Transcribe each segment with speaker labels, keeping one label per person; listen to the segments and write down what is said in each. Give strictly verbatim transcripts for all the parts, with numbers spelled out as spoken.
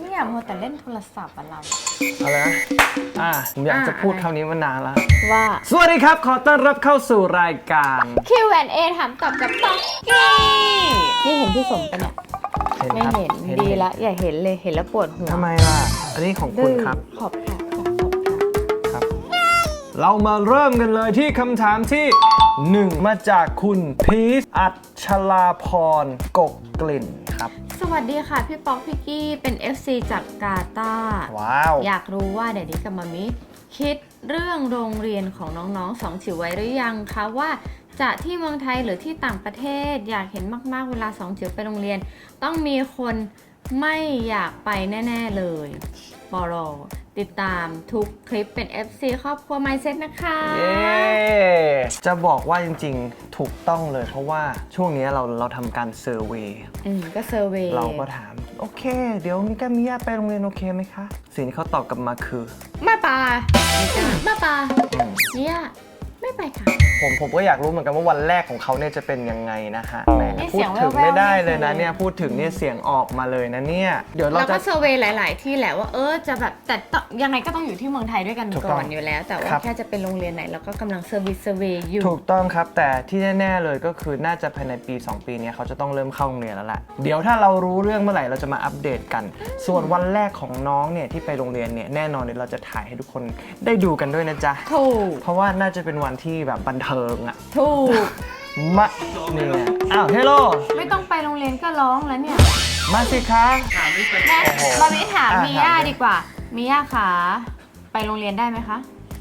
Speaker 1: เนี่ยมัวแต่เล่นโทรศัพท์อะเรา
Speaker 2: อะไรนะอ่าผมอยากจะพูดคำนี้มานานแล้ว
Speaker 1: ว่า
Speaker 2: สวัสดีครับขอต้อนรับเข้าสู่รายการ
Speaker 1: คิว แอนด์ เอ ถามตอบกับป๊อกกี้นี่เห็นพี่สมปะเนี่ยไม่เห็นดีละอย่าเห็นเลยเห็นแล้วปวดหัว
Speaker 2: ทำไมล่ะอันนี้ของคุณครับ
Speaker 1: ขอบค่ะ
Speaker 2: ครับเรามาเริ่มกันเลยที่คำถามที่หนึ่งมาจากคุณพีชอัชราพรกกกลิ่นครับ
Speaker 1: สวัสดีค่ะพี่ป๊อกพี่กี้เป็น เอฟ ซี จากกาตาร์
Speaker 2: ว้าว
Speaker 1: อยากรู้ว่าเดี๋ยวนี้กับมามิคิดเรื่องโรงเรียนของน้องๆสองจิ๋วไว้หรือยังคะว่าจะที่เมืองไทยหรือที่ต่างประเทศอยากเห็นมากๆเวลาสองจิ๋วไปโรงเรียนต้องมีคนไม่อยากไปแน่ๆเลยปอรอติดตามทุกคลิปเป็น เอฟ ซี ครอบครัว Mindset นะคะ
Speaker 2: เย้จะบอกว่าจริงๆถูกต้องเลยเพราะว่าช่วงนี้เราเราทำการเซอร์เวย์
Speaker 1: อืมก็เซอร์เวย์
Speaker 2: เราก็ถามโอเคเดี๋ยวมิก้ามิยาไปโรงเรียนโอเคไหมคะสิ่งที่เขาตอบกลับมาคือ
Speaker 1: ไม่ไปมิก้าไม่ไปมิยาไม่ไปค่ะ
Speaker 2: ผมผมก็อยากรู้เหมือนกันว่าวันแรกของเขาเนี่ยจะเป็นยังไงนะฮะแหมพูดถึงไม่ได้เลยนะเนี่ยพูดถึงเนี่ยเสียงออกมาเลยนะเนี่ยเดี๋ยวเราจะ
Speaker 1: ก็เซอร์เวย์หลายๆที่แหละว่าเออจะแบบแต่ยังไงก็ต้องอยู่ที่เมืองไทยด้วยกันก่อนอยู่แล้วแต่ว่าแค่จะเป็นโรงเรียนไหนเราก็กำลังเซอร์วิสเซอร์เวย์อยู่
Speaker 2: ถูกต้องครับแต่ที่แน่ๆเลยก็คือน่าจะภายในปีสองปีนี้เขาจะต้องเริ่มเข้าโรงเรียนแล้วแหละเดี๋ยวถ้าเรารู้เรื่องเมื่อไหร่เราจะมาอัปเดตกันส่วนวันแรกของน้องเนี่ยที่ไปโรงเรียนเนี่ยแน่นอนเดี๋ยวเราจะถ่ายให้ทุกคนได้ดูกันด้วยนะจ๊ะ
Speaker 1: ถูก
Speaker 2: เพราะว่าน่าจะเป็นวันที่แบบบันเทิงอ่ะ
Speaker 1: ถูก
Speaker 2: มานี่ไงอ้าวเฮลโล
Speaker 1: ไม่ต้องไปโรงเรียนก็ร้องแล้วเนี่ย
Speaker 2: มาสิคะ
Speaker 1: แม่บาร์บี้ถามมิย่าดีกว่ามิย่าคะไปโรงเรียนได้ไหมคะ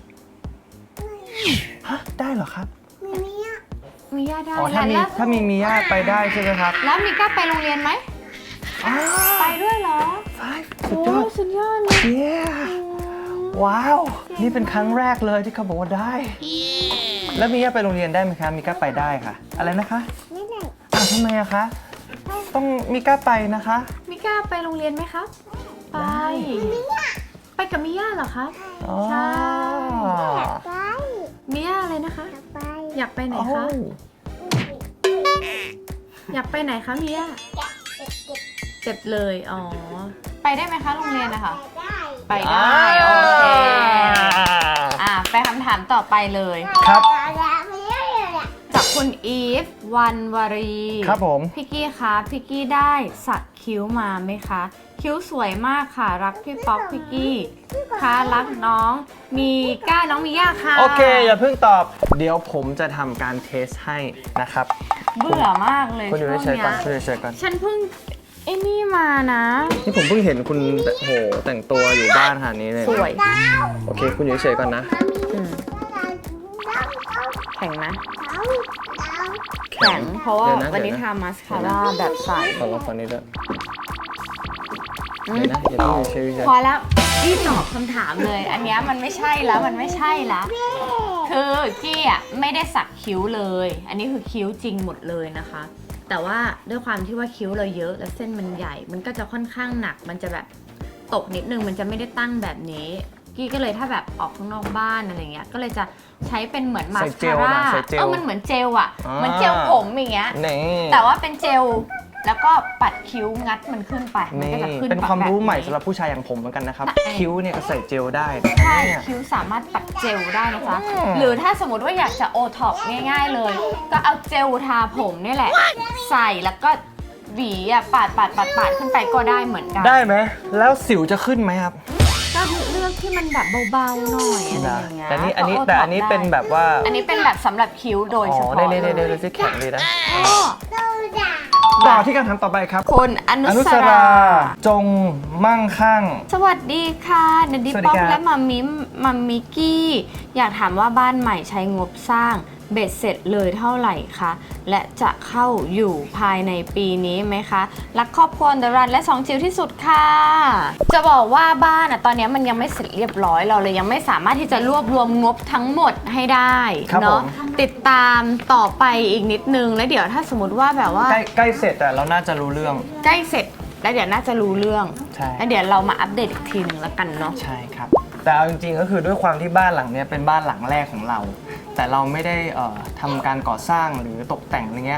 Speaker 2: ฮะได้เหรอครับ
Speaker 1: มิย่ามิย่าได้
Speaker 2: อ๋อถ้ามีถ้ามีมิย่าไปได้ใช่ไหมครับ
Speaker 1: แล้วมิก้าไปโรงเรียนไหมไปด้วยเหรอ
Speaker 2: สุดยอด
Speaker 1: สุดยอดเลย
Speaker 2: เย้ว้าวนี่เป็นครั้งแรกเลยที่เขาบอกว่าได้แล้วมิย่าไปโรงเรียนได้ไหมคะมิก้าไปได้ค่ะอะไรนะคะไม่ได้อ้าวทำไมอะคะต้องมิก้าไปนะคะ
Speaker 1: มิก้าไปโรงเรียนไหมครับไปไปกับมิย่าเหรอคะใช่มิย่าอะไรนะคะอยากไปไหนคะอยากไปไหนคะมิย่าเจ็บเลยอ๋อไปได้ไหมคะโรงเรียนนะคะไปได้โอเคอ่ะไปคำถามต่อไปเลย
Speaker 2: ครับ
Speaker 1: จากคุณอีฟวันวารี
Speaker 2: ครับผม
Speaker 1: พี่กี้คะพี่กี้ได้สักคิ้วมาไหมคะคิ้วสวยมากค่ะรักพี่ป๊อกพี่กี้ค่ะรักน้องมีก้าน้องมีย่าค่ะ
Speaker 2: โอเคอย่าเพิ่งตอบเดี๋ยวผมจะทำการเทสให้นะครับ
Speaker 1: เบื่อมากเลย
Speaker 2: คุณอยู่เฉยๆก่อนคุณอยู่เฉยๆก่อน
Speaker 1: ฉันเพิ่งไอ้นี่มานะ
Speaker 2: นี่ผมเพิ่งเห็นคุณโหแต่งตัวอยู่บ้านขนาดนี้เลย
Speaker 1: สวย
Speaker 2: โอเคคุณอยู่เฉยๆก่อนนะ
Speaker 1: แข็งนะแข็งเพราะว่าวันนี้ทำมาสคาร่าแบบใส
Speaker 2: ขอลองฟังนิดด้วยเดี๋ยวนะอย่าเพิ่งเฉยๆ
Speaker 1: พอแล้วพี่ตอบคำถามเลยอันนี้มันไม่ใช่แล้วมันไม่ใช่แล้วคือกี้อ่ะไม่ได้สักคิ้วเลยอันนี้คือคิ้วจริงหมดเลยนะคะแต่ว่าด้วยความที่ว่าคิ้วเราเยอะแล้วเส้นมันใหญ่มันก็จะค่อนข้างหนักมันจะแบบตกนิดนึงมันจะไม่ได้ตั้งแบบนี้กี้ก็เลยถ้าแบบออกข้างนอกบ้านอะไรเงี้ยก็เลยจะใช้เป็นเหมือนมาสคาร่าเออมันเหมือนเจลอ่ะเหมือนเจลผมอย่างเงี้ยแต่ว่าเป็นเจลแล้วก็ปัดคิ้วงัดมันขึ้นไปมันก็จะขึ้น
Speaker 2: เป็นความรู้ใหม่สำหรับผู้ชายอย่างผมเหมือนกันนะครับคิ้วเนี่ยก็ใส่เจลได้
Speaker 1: ใช่คิ้วสามารถปัดเจลได้นะคะหรือถ้าสมมติว่าอยากจะโอท็อปง่ายๆเลยก็เอาเจลทาผมนี่แหละใส่แล้วก็หวีอ่ะปาดปาดปาดปาดขึ้นไปก็ได้เหมือนกัน
Speaker 2: ได้ไหมแล้วสิวจะขึ้นไหมครับ
Speaker 1: ก็เลือกที่มันแบบเบาๆหน่อยอะไรอย่างเงี้ย
Speaker 2: แต่นี่อันนี้แต่อันนี้เป็นแบบว่า
Speaker 1: อันนี้เป็นแบบสำหรับคิ้วโดยเฉพาะ
Speaker 2: ได้ได้ได้ได้แข็งดีนะต่อที่การถามต่อไปครับ
Speaker 1: คุณอนุสรา
Speaker 2: จงมั่งคั่ง
Speaker 1: สวัสดีค่ะนดิป๊อกและมัมมิมัมมิกกี้อยากถามว่าบ้านใหม่ใช้งบสร้างเบ็ดเสร็จเลยเท่าไหร่คะและจะเข้าอยู่ภายในปีนี้ไหมคะรักครอบครัวเดรันและสองจิ๋วที่สุดค่ะจะบอกว่าบ้านอ่ะตอนนี้มันยังไม่เสร็จเรียบร้อยเราเลยยังไม่สามารถที่จะรวบรวมงบทั้งหมดให้ได้เนาะติดตามต่อไปอีกนิดนึงแล้วเดี๋ยวถ้าสมมติว่าแบบว่า
Speaker 2: ใกล้ใกล้เสร็จแต่เราน่าจะรู้เรื่อง
Speaker 1: ใกล้เสร็จแล้วเดี๋ยวน่าจะรู้เรื่องแล้วเดี๋ยวเรามาอัปเดตอีกทีนึงแล้วกันเนาะ
Speaker 2: ใช่ครับแต่เอาจริงๆก็คือด้วยความที่บ้านหลังนี้เป็นบ้านหลังแรกของเราแต่เราไม่ได้เอ่อทำการก่อสร้างหรือตกแต่งอะไรเงี้ย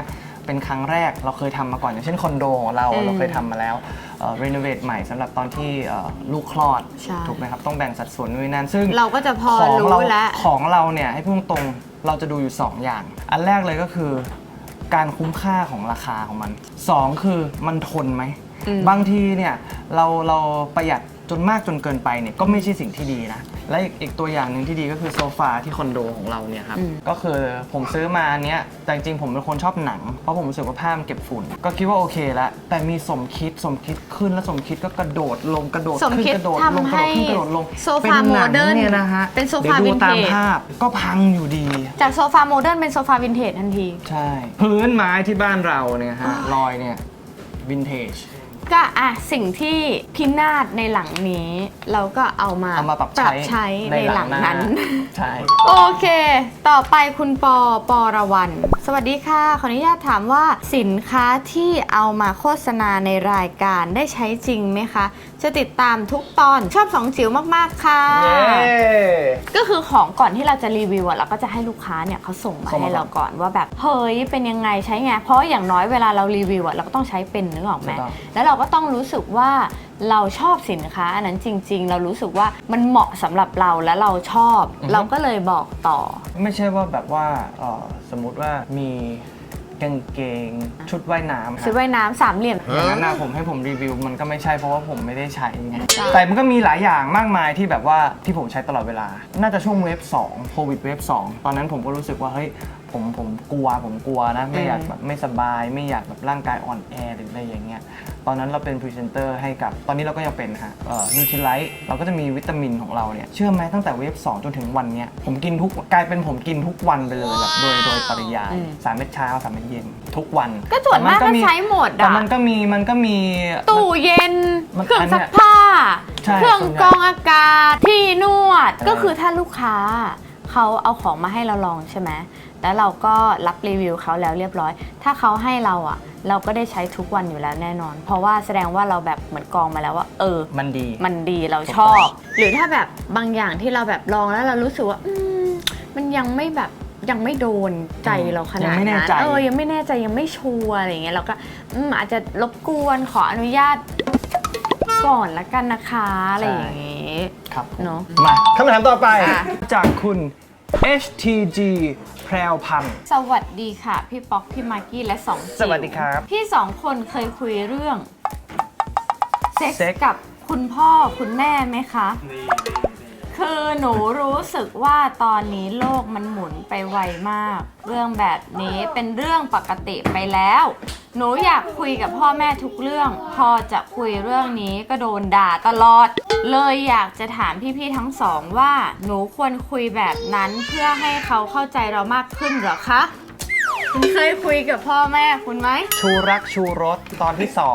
Speaker 2: เป็นครั้งแรกเราเคยทำมาก่อนอย่างเช่นคอนโดของเรา
Speaker 1: อืม
Speaker 2: เราเคยทำมาแล้วรีโนเวทใหม่สำหรับตอนที่เอ่อลูกคลอด
Speaker 1: ใช่
Speaker 2: ถูกไหมครับต้องแบ่งสัดส่วนนู่นนนั่นซึ่ง
Speaker 1: เราก็จะพอ
Speaker 2: ของ
Speaker 1: รู้
Speaker 2: เรา
Speaker 1: แล้ว
Speaker 2: ของเราเนี่ยให้พูดตรงๆเราจะดูอยู่ สอง อย่าง อันแรกเลยก็คือการคุ้มค่าของราคาของมันสองคือมันทนไหม
Speaker 1: อืม
Speaker 2: บางทีเนี่ยเราเราประหยัดจนมากจนเกินไปเนี่ยก็ไม่ใช่สิ่งที่ดีนะและอีกอีกตัวอย่างหนึ่งที่ดีก็คือโซฟาที่คอนโดของเราเนี่ยครับก็คือผมซื้อมาอันเนี้ยแต่จริงๆผมเป็นคนชอบหนังเพราะผมรู้สึกว่าผ้ามันเก็บฝุ่นก็คิดว่าโอเคแล้วแต่มีสมคิดสมคิดขึ้นแล้วสมคิดก็กระโดดลงกระโดด
Speaker 1: สม
Speaker 2: ขึ้น
Speaker 1: คิด
Speaker 2: กระโดดลง
Speaker 1: ทำ
Speaker 2: กระ
Speaker 1: ให้
Speaker 2: โดดขึ้นกระโดดลง
Speaker 1: โซฟาโมเดิร์น
Speaker 2: เนี่ยนะฮะ
Speaker 1: เป็นโซฟา
Speaker 2: ดี๋ยวดูตาม
Speaker 1: วินเทจ
Speaker 2: ภาพก็พังอยู่ดี
Speaker 1: จากโซฟาโมเดิร์นเป็นโซฟาวินเทจทันที
Speaker 2: ใช่ พื้นไม้ที่บ้านเราเนี่ยฮะรอยเนี่ยวินเทจ
Speaker 1: ก็อ่ะสิ่งที่พินาศในหลังนี้ เราก็เอามา
Speaker 2: เอามาปรับ
Speaker 1: ปรับ
Speaker 2: ใช้
Speaker 1: ใช้ในหลังนั้น
Speaker 2: ใช่
Speaker 1: โอเค ต่อไปคุณปอปอระวัน สวัสดีค่ะ ขออนุญาตถามว่าสินค้าที่เอามาโฆษณาในรายการได้ใช้จริงไหมคะ จะติดตามทุกตอนชอบสองจิ๋วมากๆค่ะ
Speaker 2: เย้
Speaker 1: ก็คือของก่อนที่เราจะรีวิวอะเราก็จะให้ลูกค้าเนี่ยเขาส่งมา
Speaker 2: ส่งมา
Speaker 1: ให้เราก่อนว่าแบบเฮ้ยเป็นยังไงใช้ไง เพราะอย่างน้อยเวลาเรารีวิวอะเราก็ต้องใช้เป็นนึกออกไหม
Speaker 2: ถูกต้อง
Speaker 1: แล้วเราก็ต้องรู้สึกว่าเราชอบสินค้าอันนั้นจริง ๆ เรารู้สึกว่ามันเหมาะสำหรับเราและเราชอบ เราก็เลยบอกต่อ
Speaker 2: ไม่ใช่ว่าแบบว่าเอ่อสมมุติว่ามีกางเกงชุดว่ายน้ำ
Speaker 1: ซื้อว่ายน้ำสามเหลี่ยม
Speaker 2: อย่างนั้นนะผมให้ผมรีวิวมันก็ไม่ใช่เพราะว่าผมไม่ได้ใช้ไง
Speaker 1: ใช่
Speaker 2: แต่มันก็มีหลายอย่างมากมายที่แบบว่าที่ผมใช้ตลอดเวลา น่าจะช่วงเวฟสองโควิดเวฟสองตอนนั้นผมก็รู้สึกว่าเฮ้ยผมผมกลัวผมกลัวนะไม่อยากแบบไม่สบายไม่อยากแบบร่างกายอ่อนแอหรืออะไรอย่างเงี้ยตอนนั้นเราเป็นพรีเซนเตอร์ให้กับตอนนี้เราก็ยังเป็นฮะเอ่อนิวทริไลท์เราก็จะมีวิตามินของเราเนี่ยเชื่อไหมตั้งแต่เวฟสองจนถึงวันเนี้ยผมกินทุกกลายเป็นผมกินทุกวันไปเลยแบบโดยโดยปริยาย
Speaker 1: อืม
Speaker 2: สามเม็ดเช้าสามเม็ดเย็นทุกวัน
Speaker 1: ก็ส่วนมากก็ใช้หมด
Speaker 2: แต่
Speaker 1: อะ
Speaker 2: มันก็มีมันก็มี
Speaker 1: ตู้เย็น
Speaker 2: มัน
Speaker 1: เครื่อง
Speaker 2: อันเนี้
Speaker 1: ซั
Speaker 2: ย
Speaker 1: กผ้า
Speaker 2: ใช่
Speaker 1: เครื่อง
Speaker 2: ส่วนใหญ่
Speaker 1: กรองอากาศ ที่นวด
Speaker 2: เออ
Speaker 1: ก็คือถ้าลูกค้าเขาเอาของมาให้เราลองใช่ไหม แล้วเราก็รับรีวิวเขาแล้วเรียบร้อย ถ้าเขาให้เราอ่ะ เราก็ได้ใช้ทุกวันอยู่แล้วแน่นอน เพราะว่าแสดงว่าเราแบบเหมือนกรองมาแล้วว่า เออ
Speaker 2: มันดี
Speaker 1: มันดีเราชอบ หรือถ้าแบบบางอย่างที่เราแบบลองแล้วเรารู้สึกว่าอืมมันยังไม่แบบยังไม่โดนใจเราขนาด
Speaker 2: ยังไม่แน่
Speaker 1: นั้น
Speaker 2: ใจ
Speaker 1: เออยังไม่แน่ใจยังไม่ชัวร์อะไรอย่างเงี้ยเราก็อืมอาจจะรบกวนขออนุญาตก่อนละกันนะคะอะไรอย่างเงี้ย
Speaker 2: ครับ
Speaker 1: เนอะ
Speaker 2: มาคำถามต่อไป
Speaker 1: ค่ะ
Speaker 2: จากคุณ เอช ที จี แพรวพันธ์
Speaker 1: สวัสดีค่ะ พี่ป๊อกพี่มากกี้และสองจิ๋ว
Speaker 2: สวัสดีครับ
Speaker 1: พี่สองคนเคยคุยเรื่องเซ็ก
Speaker 2: เซ็ก
Speaker 1: ส์กับคุณพ่อคุณแม่ไหมคะ คือหนูรู้สึกว่าตอนนี้โลกมันหมุนไปไวมาก เรื่องแบบนี้เป็นเรื่องปกติไปแล้ว หนูอยากคุยกับพ่อแม่ทุกเรื่อง พอจะคุยเรื่องนี้ก็โดนด่าตลอด เลยอยากจะถามพี่ๆทั้งสองว่า หนูควรคุยแบบนั้นเพื่อให้เขาเข้าใจเรามากขึ้นเหรอคะ คุณเคยคุยกับพ่อแม่คุณไหม
Speaker 2: ชูรักชูรสตอนที่สอง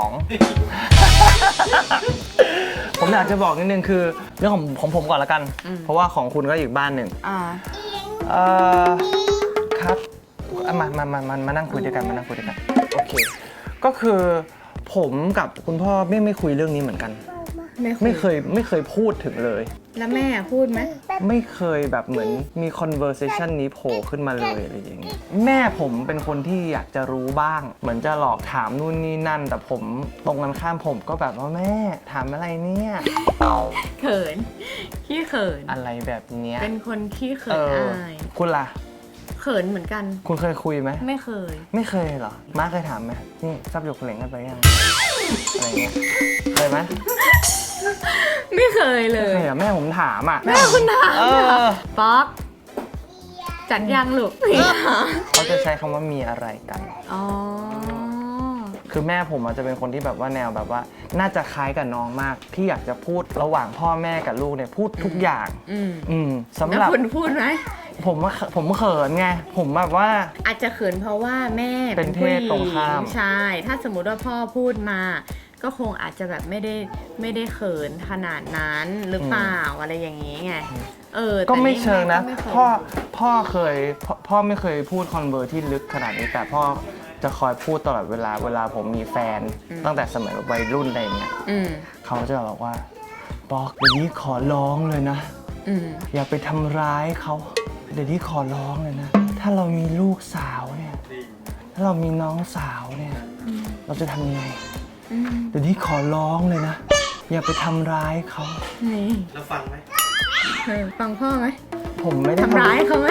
Speaker 2: ผมอยากจะบอกนิดนึงคือเรื่องของของผมก่อนละกัน
Speaker 1: อืม
Speaker 2: เพราะว่าของคุณก็อีกบ้านหนึ่ง
Speaker 1: อ่า
Speaker 2: เอ่อครับอ่ะมามามามามานั่งคุยด้วยกันมานั่งคุยด้วยกันโอเค ก็คือผมกับคุณพ่อไม่ไม่คุยเรื่องนี้เหมือนกัน ไม่เคยไม่เคยพูดถึงเลย
Speaker 1: แล้วแม่พูดไหม
Speaker 2: ไม่เคยแบบเหมือนมี conversation นี้โผล่ขึ้นมาเลยอะไรอย่างเงี้ยแม่ผมเป็นคนที่อยากจะรู้บ้าง เหมือนจะหลอกถามนู่นนี่นั่น แต่ผมตรงกันข้ามผมก็แบบว่าแม่ถามอะไรเนี่ย
Speaker 1: เขิน ขี้เขิน
Speaker 2: อะไรแบบเนี้ย
Speaker 1: เป็นคนขี้เขิ
Speaker 2: เอน อ
Speaker 1: อาย
Speaker 2: คุณล่ะ
Speaker 1: เขินเหมือนกัน
Speaker 2: คุณเคยคุยไหม
Speaker 1: ไม่เคย
Speaker 2: ไม่เคยเหรอม้าเคยถามไหมนี่ซับหยกเหลงกันไปยังอะไรเงี้ยเคยไหม
Speaker 1: ไม่เคยเล
Speaker 2: ไม่
Speaker 1: ย
Speaker 2: เคยเหรอแม่ผมถามอ่ะ
Speaker 1: แม่คุณถาม
Speaker 2: เออ
Speaker 1: ป๊อกจัดยังลูก
Speaker 2: เขาจะใช้คำว่ามีอะไรกัน
Speaker 1: อ๋อ
Speaker 2: คือแม่ผมอาจจะเป็นคนที่แบบว่าแนวแบบว่า น่าจะคล้ายกับน้องมาก ที่อยากจะพูดระหว่างพ่อแม่กับลูกเนี่ยพูดทุกอย่าง
Speaker 1: อืม
Speaker 2: อืมสำ
Speaker 1: แล้ว
Speaker 2: หรับ
Speaker 1: คุณพูดไหม
Speaker 2: ผมว่าผมเขินไง ผมแบบว่า
Speaker 1: อาจจะเขินเพราะว่าแม่
Speaker 2: เป็นเพศตรงข้าม
Speaker 1: ใช่ ถ้าสมมุติว่าพ่อพูดมา ก็คงอาจจะแบบไม่ได้ไม่ได้เขินขนาดนั้นหรือเปล่าอะไรอย่างนี้ไง เออ
Speaker 2: ก็ไม่เชิงนะ
Speaker 1: แต่แม่ก็ไม่เคย
Speaker 2: พ่อพ่อเคยพ่อพ่อไม่เคยพูดคอนเวอร์ที่ลึกขนาดนี้ แต่พ่อจะคอยพูดตลอดเวลาเวลาผมมีแฟน ตั้งแต่สมัยวัยรุ่นอะไรอย่างเงี้ย
Speaker 1: อืม
Speaker 2: เขาจะบอกว่าบอกเดี๋ยวนี้ขอร้องเลยนะ
Speaker 1: อืม
Speaker 2: อย่าไปทำร้ายเขาเดี๋ยวนี้ขอร้องเลยนะ ถ้าเรามีลูกสาวเนี่ยถ้าเรามีน้องสาวเนี่ยเราจะทำยังไง
Speaker 1: อืม
Speaker 2: เดี๋ยวนี้ขอร้องเลยนะ อย่าไปทำร้ายเขา
Speaker 1: นี่
Speaker 3: แล้วฟังไหม
Speaker 1: เออฟังพ่อไหม
Speaker 2: ผมไม่ได้
Speaker 1: ทำร้ายเขาไหม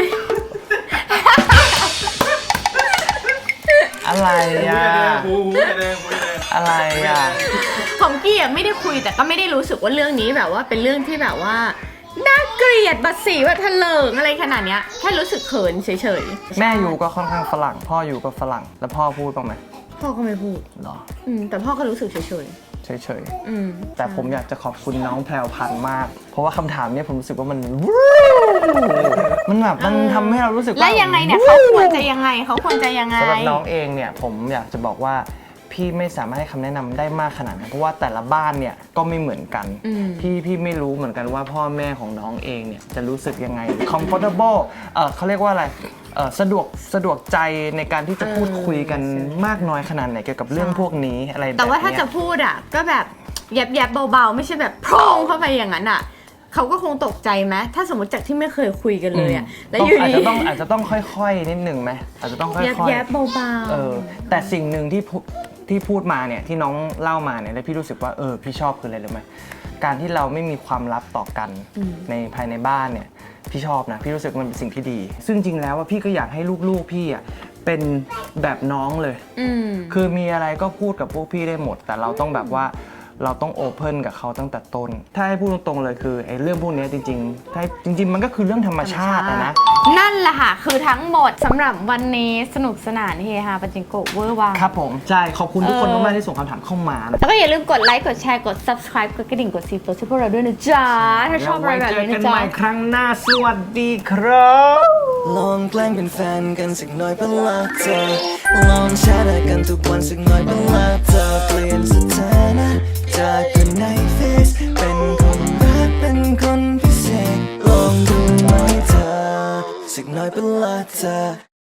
Speaker 2: อะไรอ่ะ
Speaker 3: หูหูแดงหูแดง
Speaker 2: อะไรอ่ะ
Speaker 1: ของกี้อะไม่ได้คุยแต่ก็ไม่ได้รู้สึกว่าเรื่องนี้แบบว่าเป็นเรื่องที่แบบว่าน่าเกลียดบัดสีว่าทะเลิงอะไรขนาดเนี้ยแค่รู้สึกเขินเฉยๆ
Speaker 2: แม่อยู่ก็ค่อนข้างฝรั่ง พ่ออยู่ก็ฝรั่ง แล้วพ่อพูดบ้างไหม
Speaker 1: พ่อก็ไม่พูด
Speaker 2: หรอ
Speaker 1: อืมแต่พ่อก็รู้สึกเฉย
Speaker 2: เฉย
Speaker 1: ๆอืม
Speaker 2: ๆ แต่ผมอยากจะขอบคุณน้องแพรวพันธุ์มาก เพราะว่าคำถามเนี้ยผมรู้สึกว่ามัน มันแบบมันทำให้เรารู้สึกว่า
Speaker 1: แล้วยังไงเนี่ยเขาควรจะยังไงเขาควรจะยังไง
Speaker 2: สำหรับน้องเองเนี่ยผมอยากจะบอกว่าพี่ไม่สามารถให้คำแนะนำได้มากขนาดนั้นเพราะว่าแต่ละบ้านเนี่ยก็ไม่เหมือนกัน
Speaker 1: อืม
Speaker 2: พี่พี่ไม่รู้เหมือนกันว่าพ่อแม่ของน้องเองเนี่ยจะรู้สึกยังไง comfortable เออเขาเรียกว่าอะไรเออสะดวกสะดวกใจในการที่จะพูดคุยกันมากน้อยขนาดไหนเกี่ยวกับเรื่องพวกนี้อะไรแบบนี้
Speaker 1: แต่ว่าถ้าจะพูดอ่ะก็แบบแยบๆเบาๆไม่ใช่แบบโพร่งเข้าไปอย่างนั้นอ่ะเขาก็คงตกใจไหมถ้าสมมติจากที่ไม่เคยคุยกันเลยอ่ะแล้ว
Speaker 2: ต้อง
Speaker 1: อยู่
Speaker 2: อาจ
Speaker 1: ดี
Speaker 2: จะต้องอาจจะต้องค่อยๆนิดนึงไหมอาจจะต้องค่อยๆ
Speaker 1: แยบๆเบาๆ
Speaker 2: เออแต่สิ่งหนึ่งที่พูที่พูดมาเนี่ยที่น้องเล่ามาเนี่ยแล้วพี่รู้สึกว่าเออพี่ชอบคืออะไรรู้ไหมการที่เราไม่มีความลับต่อกันในภายในบ้านเนี่ยพี่ชอบนะพี่รู้สึกมันเป็นสิ่งที่ดี ซึ่งจริงแล้วว่าพี่ก็อยากให้ลูกๆพี่อ่ะเป็นแบบน้องเลย
Speaker 1: อืม
Speaker 2: คือมีอะไรก็พูดกับพวกพี่ได้หมด แต่เราต้องแบบว่าเราต้องโอเพ่นกับเขาตั้งแต่ต้น ถ้าให้พูดตรงๆเลยคือไอ้เรื่องพวกนี้จริงๆถ้าจริง ๆ มันก็คือเรื่องธรรมชาติอะนะ
Speaker 1: นั่นแหละค่ะ คือทั้งหมดสำหรับวันนี้สนุกสนานเฮฮาปัจจิงโกะเวอร์วัง
Speaker 2: ครับผมใช่ขอบคุณทุกคน
Speaker 1: เออ
Speaker 2: มากๆที่ส่งคำถามเข้ามานะ
Speaker 1: แล้วก็อย่าลืมกดไลค์ กดแชร์ กด subscribe กดกระดิ่ง กดซีโฟที่พวกเราด้วยนะจ๊ะ ถ้าชอบอะไรแบบนี้
Speaker 2: เดี๋ยวไว้เจอกั
Speaker 1: นะ
Speaker 2: น
Speaker 1: จ๊ะ
Speaker 2: ใหม่ครั้งหน้าสวัสดีครับ
Speaker 4: ลองแกล้งเป็นแฟนกันสักหน่อยเป็นละเธอลองแชร์กันทุกวันสักหน่อยเป็นละเธอเปลี่ยนสถานะจากคนในเฟซเป็นคนรักเป็นคนพิเศษลองดูไหมเธอสักหน่อยเป็นละเธอ